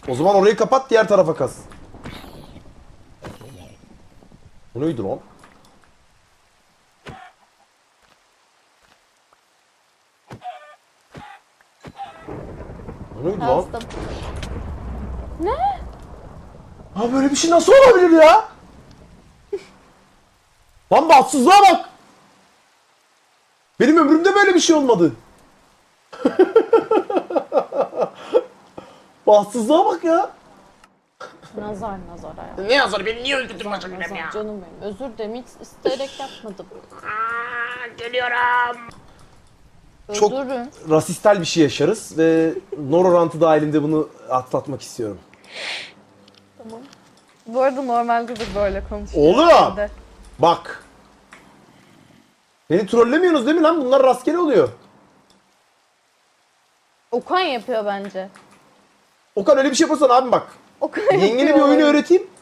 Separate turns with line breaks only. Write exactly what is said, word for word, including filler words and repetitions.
O zaman orayı kapat, diğer tarafa kaz. Bu neydi lan? Bu neydi lan?
Kastım. Ne?
Ha böyle bir şey nasıl olabilir ya? Lan bahtsızlığa bak. Benim ömrümde böyle bir şey olmadı. Bahtsızlığa bak ya.
Nazar nazar hayatım.
Ne yazar, beni niye öldürdün bacım benim
Nazar
ya?
canım benim. Özür dilerim, hiç isteyerek yapmadım.
Aa, geliyorum. Çok
Öldürün.
rasistel bir şey yaşarız ve Nororant'ı dahilinde bunu atlatmak istiyorum.
Tamam.
Bu arada normalde de böyle konuşuyor.
Oğlum!
Ben de.
Bak. Beni trollemiyorsunuz değil mi lan? Bunlar rastgele oluyor.
Okan yapıyor bence.
Okan öyle bir şey yaparsan abim bak.
Okan
Yengene
yapıyor
bir oyunu
olabilir.
öğreteyim.